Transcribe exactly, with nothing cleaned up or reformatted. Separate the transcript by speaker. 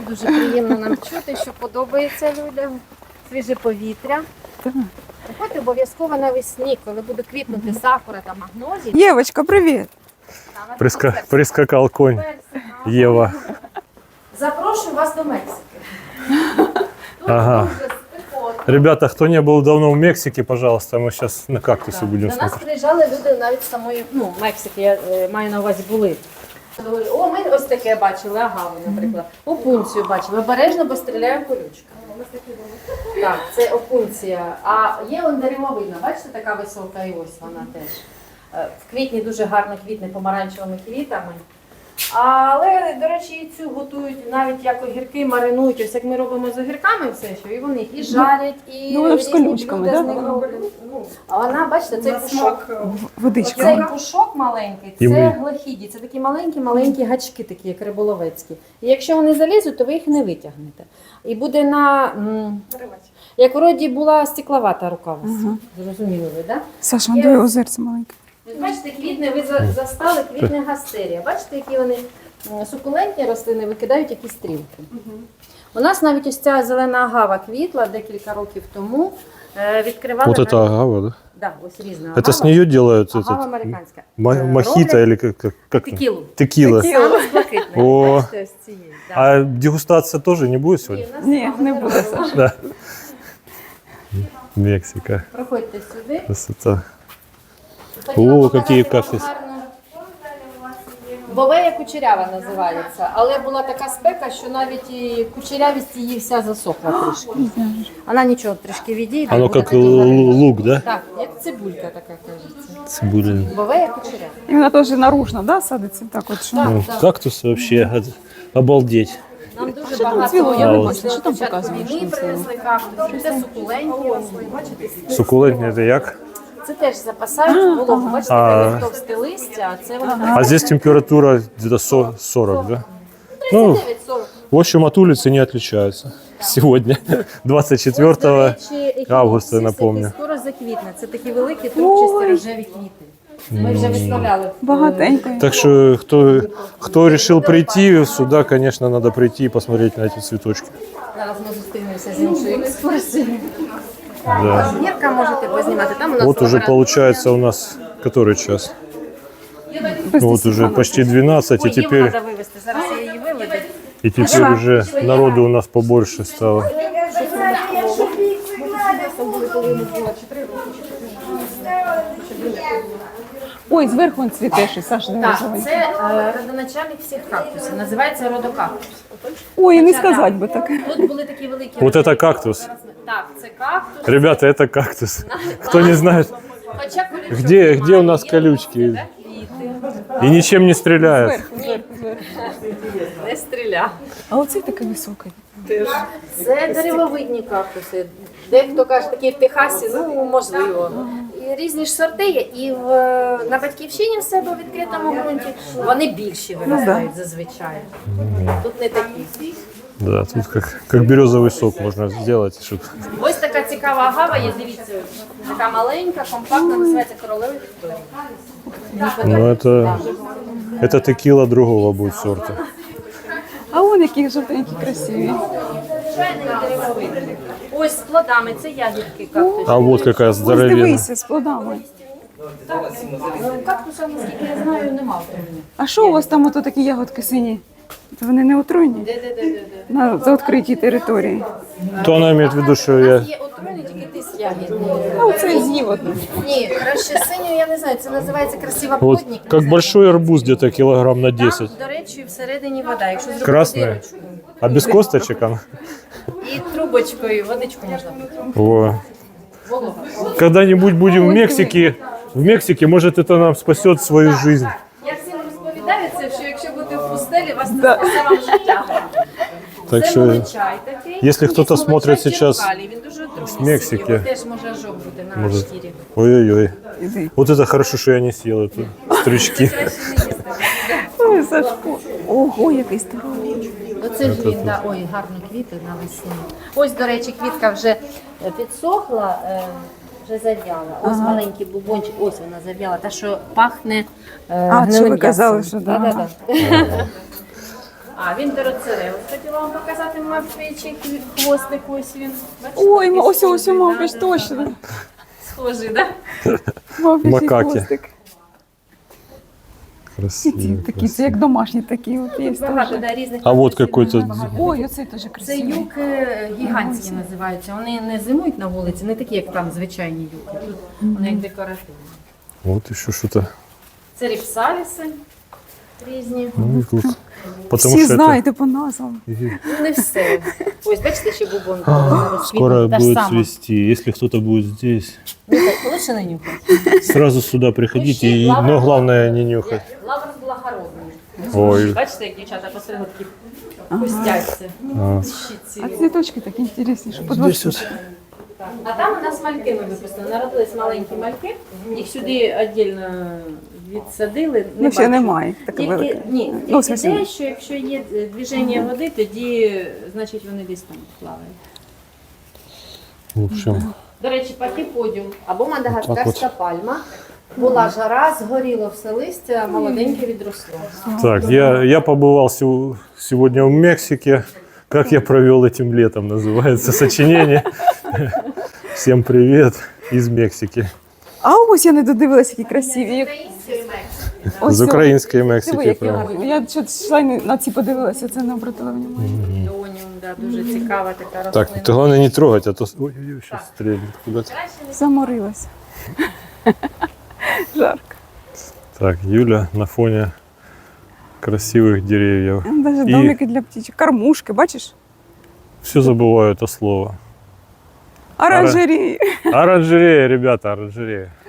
Speaker 1: дуже приємно нам чути, що подобається людям. Свіже повітря. Приходьте обов'язково навесні, коли буде квітнути сакура та магнолії.
Speaker 2: Євочка, привіт!
Speaker 3: Приска... Прискакал конь Ева.
Speaker 1: Запрошую вас до Мексики. Тут
Speaker 3: Ага.
Speaker 1: дуже спекотно.
Speaker 3: Ребята, кто не был давно в Мексике, пожалуйста, мы сейчас на кактусе
Speaker 1: Так.
Speaker 3: будем
Speaker 1: До нас
Speaker 3: смотреть.
Speaker 1: приїжджали люди навіть з самої, ну, Мексики, я е, маю на увазі, були. Говорю, о, ми ось таке бачили, агаву, наприклад. Опунцію бачили. Обережно, бо стріляє колючка. Так, це опунція. А є он деревовина, бачите, така висока, і ось вона теж. Е, В квітні дуже гарно квітне помаранчевими квітами. Але, до речі, і цю готують навіть як огірки, маринують. Ось як ми робимо з огірками все, що і вони їх і жарять, і
Speaker 2: Ну, вона ж з
Speaker 1: різні
Speaker 2: колючками,
Speaker 1: блюда
Speaker 2: да?
Speaker 1: з них роблять. Ну, а вона, бачите, цей пушок.
Speaker 2: Водичка.
Speaker 1: Цей пушок маленький,
Speaker 3: І
Speaker 1: це
Speaker 3: ми-
Speaker 1: глахіді, це такі маленькі-маленькі гачки, такі як риболовецькі. І якщо вони залізуть, то ви їх не витягнете. І буде на, м, як вроді була стекловата рука у вас.
Speaker 2: Ага.
Speaker 1: Зрозуміли ви, так?
Speaker 2: Саша, он диви, озерце маленьке.
Speaker 1: Да? Бачите, квітне, ви за- застали квітне гастерія. Бачите, які вони м, сукулентні рослини викидають якісь стрілки. У нас навіть ось ця зелена агава квітла декілька років тому. Е, Відкривали
Speaker 3: Вот это
Speaker 1: навіть-
Speaker 3: агава, да?
Speaker 1: Да, ось різна
Speaker 3: Это с
Speaker 1: агава.
Speaker 3: нее делают
Speaker 1: Агава
Speaker 3: этот
Speaker 1: американська.
Speaker 3: ма-
Speaker 1: Е,
Speaker 3: мохито
Speaker 1: роблять
Speaker 3: или как? как, как?
Speaker 1: Текілу.
Speaker 3: Текила.
Speaker 1: Саме з блакитної.
Speaker 3: О.
Speaker 1: Бачите, ось цієї. Да.
Speaker 3: А дегустация тоже не будет
Speaker 1: І
Speaker 3: сегодня?
Speaker 1: у нас
Speaker 2: Ні,
Speaker 1: там
Speaker 2: не
Speaker 1: вони
Speaker 2: буде,
Speaker 1: робили.
Speaker 3: Да. Мексика.
Speaker 1: Проходьте сюди.
Speaker 3: Красота.
Speaker 1: Хотіла
Speaker 3: О,
Speaker 1: показати
Speaker 3: які
Speaker 1: вам
Speaker 3: кактуси.
Speaker 1: гарну- Бовея кучерява називається, але була така спека, що навіть і кучерявість її вся засохла трішки. Вона нічого трішки відійде.
Speaker 3: Оно
Speaker 1: буде
Speaker 3: как
Speaker 1: такий
Speaker 3: л-
Speaker 1: гарний.
Speaker 3: лук, да?
Speaker 1: Так, як цибулька така кажеться.
Speaker 3: Цибуля.
Speaker 1: Бовея кучерява.
Speaker 2: І вона теж наружно, да, садиться? Так от, що?
Speaker 1: Так,
Speaker 3: Ну,
Speaker 1: так.
Speaker 3: кактус вообще от- обалдеть.
Speaker 1: Нам дуже багато
Speaker 2: цвіло? Я
Speaker 3: не
Speaker 2: бачила, що там
Speaker 1: початку
Speaker 2: показуєш,
Speaker 1: війни
Speaker 2: що це?
Speaker 1: принесли кактуси. Це сукулентні, ось, бачите?
Speaker 3: Суккулентный это як?
Speaker 1: Це теж запасають вологу. Бачите,
Speaker 3: А.
Speaker 1: таке товсте листя, а це вони
Speaker 3: А здесь температура где-то со- сорок, да? Ну,
Speaker 1: тридцять дев'ять сорок.
Speaker 3: в общем, от улицы не отличаются. Сегодня, двадцать четвёртого
Speaker 1: Ось, до речі,
Speaker 3: августа,
Speaker 1: ехінопсис,
Speaker 3: напомню.
Speaker 1: який скоро заквітне. Це такі великі трубчасті рожеві квіти. Ми вже виставляли.
Speaker 2: Багатенько.
Speaker 3: Так что, кто, кто решил прийти сюда, конечно, надо прийти и посмотреть на эти цветочки.
Speaker 1: Зараз ми зустрінемося з іншою екскурсією.
Speaker 3: Да.
Speaker 1: Гірка можете познімати. Там у нас
Speaker 3: Вот уже
Speaker 1: лабораторія.
Speaker 3: получается у нас который час? Ну, вот уже почти двенадцать, и
Speaker 1: Ой, Єву
Speaker 3: теперь,
Speaker 1: треба вивезти. Зараз я її виведу.
Speaker 3: и теперь уже народу у нас побольше стало.
Speaker 2: Ой, зверху він цвіте ще, Саша, диви,
Speaker 1: Так,
Speaker 2: зеленький.
Speaker 1: це е, родоначальник всіх кактусів. Називається родокактус.
Speaker 2: Ой, не сказати би так.
Speaker 1: Тут були такі великі.
Speaker 3: Вот это
Speaker 1: рожеві-
Speaker 3: кактус.
Speaker 1: Так, це кактус.
Speaker 3: Ребята, это кактус. Кто не знает,
Speaker 1: Хоча колючок
Speaker 3: где,
Speaker 1: немає,
Speaker 3: где у нас
Speaker 1: є
Speaker 3: колючки?
Speaker 1: квіти.
Speaker 3: И ничем не стреляют.
Speaker 2: Зверху, зверху, зверху.
Speaker 1: Не стріля.
Speaker 2: А оцей такий високий.
Speaker 1: Це деревовидні кактуси. Дехто каже, такі в Техасі, ну можливо. І різні ж сорти є. І в, на батьківщині в себе у відкритому ґрунті вони більші виростають зазвичай. Тут не такі.
Speaker 3: Да, тут как, как березовый сок можно сделать, чтобы...
Speaker 1: Ось така цікава агава є, дивіться, така маленька, компактна, називається королева Вікторія.
Speaker 3: Ну, это, это текила другого будет сорта.
Speaker 2: А вон які жовтенькі, красиві.
Speaker 1: Звичайний деревовидний. Ось з плодами, це ягідки кактусів.
Speaker 3: А вот какая
Speaker 2: Ось
Speaker 3: здоровенная.
Speaker 2: дивися, з плодами.
Speaker 1: Кактуса, наскільки я знаю, нема в Україні.
Speaker 2: А що у вас там ото такі ягодки сині? Це вони не отруйні?
Speaker 1: Де-де-де-де-де.
Speaker 2: На за відкритій території.
Speaker 3: То она имеет в виду, что
Speaker 1: У
Speaker 3: я...
Speaker 1: нас є отруйний тільки тис ягідний.
Speaker 2: А оце з'їв одну.
Speaker 1: Ні, краще синю, я не знаю, це називається красива
Speaker 3: Вот
Speaker 1: плотник.
Speaker 3: как большой арбуз, где-то килограмм на десять.
Speaker 1: Там, до речі, всередині вода. Якщо зробити
Speaker 3: Красная?
Speaker 1: дирочку
Speaker 3: А без косточек она?
Speaker 1: і трубочкою водичку можна пити.
Speaker 3: О.
Speaker 1: Волога.
Speaker 3: Когда-нибудь будем в Мексике. В Мексике, может, это нам спасет свою жизнь.
Speaker 1: Я всім розповідаю це, що якщо бути в пустелі, вас не спасе вам життя.
Speaker 3: Так
Speaker 1: Це
Speaker 3: що,
Speaker 1: молочай такий.
Speaker 3: якщо
Speaker 1: Є
Speaker 3: хтось
Speaker 1: молочай
Speaker 3: смотрить сейчас
Speaker 1: черкалій, він дуже отруйний.
Speaker 3: з Мексики.
Speaker 1: Його теж може ожог бути на
Speaker 3: Може.
Speaker 1: шкірі.
Speaker 3: Ой-ой-ой.
Speaker 2: Іди.
Speaker 3: Вот это хорошо, что я не съел эту стручки.
Speaker 1: Краще не їсти.
Speaker 2: Ой, Сашко. Ого, який здоровий.
Speaker 1: Оце ж він, да, ой, гарні квіти навесні. Ось, до речі, квітка вже е, підсохла, е, вже зав'яла. Ось маленький бубончик, ось вона зав'яла. Та, що пахне е,
Speaker 2: А,
Speaker 1: гнилим
Speaker 2: що ви казали,
Speaker 1: м'ясом.
Speaker 2: що да.
Speaker 1: Да-да-да. А, він дороцеревич. Хотіла вам показати мавпичий хвостик, ось він. Бачите,
Speaker 2: Ой,
Speaker 1: такий
Speaker 2: ось ось
Speaker 1: схожий,
Speaker 2: мавпич,
Speaker 1: да, да,
Speaker 2: точно.
Speaker 1: да. Схожий, так?
Speaker 2: Мавпичий
Speaker 3: Макаки.
Speaker 2: хвостик. І
Speaker 3: Красиво.
Speaker 2: ці такі, це
Speaker 3: красиво.
Speaker 2: як домашні такі. От є
Speaker 1: Багато,
Speaker 2: теж.
Speaker 1: да, різних.
Speaker 3: А от
Speaker 1: красивих,
Speaker 3: какой-то
Speaker 1: багато.
Speaker 2: Ой, оцей теж
Speaker 1: Це
Speaker 2: красивий.
Speaker 1: юки гігантські називаються. Вони не зимують на вулиці, не такі, як там звичайні юки. Тут вони як декоративні.
Speaker 3: Вот еще что-то.
Speaker 1: Це ріпсаліси різні.
Speaker 3: Ну, и тут. Потому
Speaker 2: Всі
Speaker 3: что
Speaker 2: знаєте по назвам.
Speaker 3: это
Speaker 1: Ну, не все. Ось, бачите, ще бубон.
Speaker 3: скоро будет цвести. Если кто-то будет здесь,
Speaker 1: Лучше не нюхати.
Speaker 3: сразу сюда приходите. И,
Speaker 1: Лавр-
Speaker 3: но главное не нюхать.
Speaker 1: Лавр благородний.
Speaker 3: Ой.
Speaker 1: Бачите, як дівчата посередки пустяться.
Speaker 3: А.
Speaker 1: Щиці.
Speaker 2: А цвіточки такі інтересні, що
Speaker 3: Здесь
Speaker 2: подвозять.
Speaker 3: вот.
Speaker 1: А там у нас мальки ми випустили. Народились маленькі мальки. Їх сюди віддільно відсадили.
Speaker 2: Ну, ще
Speaker 1: бачу.
Speaker 2: немає таке
Speaker 1: Тільки,
Speaker 2: велике.
Speaker 1: ні,
Speaker 2: Ну, в
Speaker 1: тільки
Speaker 2: смысле,
Speaker 1: те, що якщо є е, движення води, тоді значить вони десь там плавають.
Speaker 3: В общем,
Speaker 1: До речі, патіподіум або
Speaker 3: Так
Speaker 1: мадагаскарська пальма. Була жара, згоріло все листя, молоденьке відросло.
Speaker 3: так, я, я побывал сего- сегодня в Мексике. Как я провел этим летом, называется сочинение. Всем привет из Мексики.
Speaker 2: А ось я не додивилася, які красиві. Як- Ось
Speaker 3: З української
Speaker 2: Диви,
Speaker 3: Мексики.
Speaker 2: які
Speaker 3: прям.
Speaker 2: гарні. Я щось йшла і не- на ці подивилася, це не обратила внимання.
Speaker 1: Доніум, да, дуже цікава така рослина.
Speaker 3: Так, ты главное не трогать, а то... Ой-ой-ой, сейчас стрельнет куда-то.
Speaker 1: Краще не
Speaker 2: Заморилася. Жарко.
Speaker 3: Так, Юля на фоне красивых деревьев.
Speaker 2: Навіть
Speaker 3: І-
Speaker 2: домики для птичок, кормушки, бачиш?
Speaker 3: Все забываю это слово.
Speaker 2: Оранжерії.
Speaker 3: Оранжерея, ребята, оранжерея.